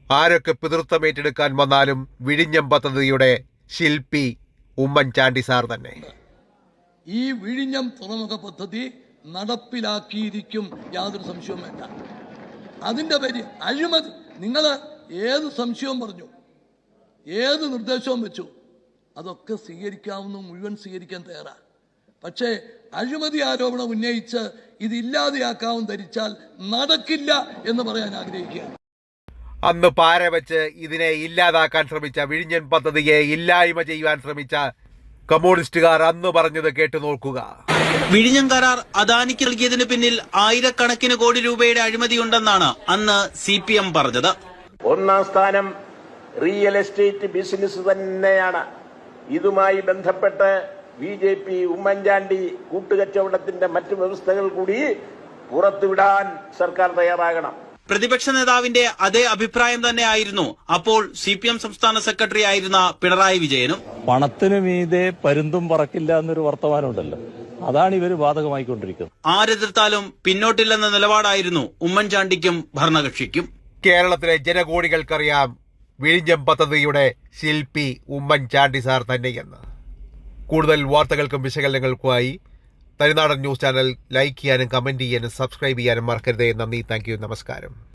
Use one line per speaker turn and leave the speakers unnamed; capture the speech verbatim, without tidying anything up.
ആരൊക്കെ പിതൃത്വമേറ്റെടുക്കാൻ വന്നാലും വിഴിഞ്ഞം പദ്ധതിയുടെ ശില്പി ഉമ്മൻചാണ്ടി സാർ തന്നെ.
ഈ വിഴിഞ്ഞം തുറമുഖ പദ്ധതി നടപ്പിലാക്കിയിരിക്കും, യാതൊരു സംശയവും വേണ്ട. അതിൻ്റെ പേര് അഴിമതി. നിങ്ങൾ ഏത് സംശയവും പറഞ്ഞു, ഏത് നിർദ്ദേശവും വെച്ചു, അതൊക്കെ സ്വീകരിക്കാവുന്ന മുഴുവൻ സ്വീകരിക്കാൻ തയ്യാറാണ്. പക്ഷേ അഴിമതി ആരോപണം ഉന്നയിച്ച് ഇതില്ലാതെയാക്കാവും ധരിച്ചാൽ നടക്കില്ല എന്ന് പറയാൻ ആഗ്രഹിക്കുകയാണ്.
അന്ന് പാര വെച്ച് ഇതിനെ ഇല്ലാതാക്കാൻ ശ്രമിച്ച, വിഴിഞ്ഞൻ പദ്ധതിയെ ഇല്ലായ്മ ചെയ്യുവാൻ ശ്രമിച്ച കമ്മ്യൂണിസ്റ്റുകാർ അന്ന് പറഞ്ഞത് കേട്ടു നോക്കുക.
വിഴിഞ്ഞം കരാർ അദാനിക്ക് നൽകിയതിന് പിന്നിൽ ആയിരക്കണക്കിന് കോടി രൂപയുടെ അഴിമതിയുണ്ടെന്നാണ് അന്ന് സി പി എം പറഞ്ഞത്.
ഒന്നാം സ്ഥാനം റിയൽ എസ്റ്റേറ്റ് ബിസിനസ് തന്നെയാണ്. ഇതുമായി ബന്ധപ്പെട്ട് ബി ജെ പി ഉമ്മൻചാണ്ടി കൂട്ടുകച്ചവടത്തിന്റെ മറ്റു വ്യവസ്ഥകൾ കൂടി പുറത്തുവിടാൻ സർക്കാർ തയ്യാറാകണം.
പ്രതിപക്ഷ നേതാവിന്റെ അതേ അഭിപ്രായം തന്നെയായിരുന്നു അപ്പോൾ സി പി എം സംസ്ഥാന സെക്രട്ടറി ആയിരുന്ന പിണറായി വിജയനും.
പണത്തിനു മീതെ പരുന്തും പറക്കില്ല എന്നൊരു വർത്തമാനമുണ്ടല്ലോ, അതാണ് ഇവര് ബാധകമായിക്കൊണ്ടിരിക്കുന്നത്.
ആരെതിർത്താലും പിന്നോട്ടില്ലെന്ന നിലപാടായിരുന്നു ഉമ്മൻചാണ്ടിക്കും ഭരണകക്ഷിക്കും.
കേരളത്തിലെ ജനകോടികൾക്കറിയാം വിഴിഞ്ഞം പദ്ധതിയുടെ ശില്പി ഉമ്മൻചാണ്ടി സാർ തന്നെയെന്ന്. കൂടുതൽ വാർത്തകൾക്കും വിശകലനങ്ങൾക്കുമായി തനിനാടൻ ന്യൂസ് ചാനൽ ലൈക്ക് ചെയ്യാനും കമന്റ് ചെയ്യാനും സബ്സ്ക്രൈബ് ചെയ്യാനും മറക്കരുതേ. നന്ദി, താങ്ക് യു, നമസ്കാരം.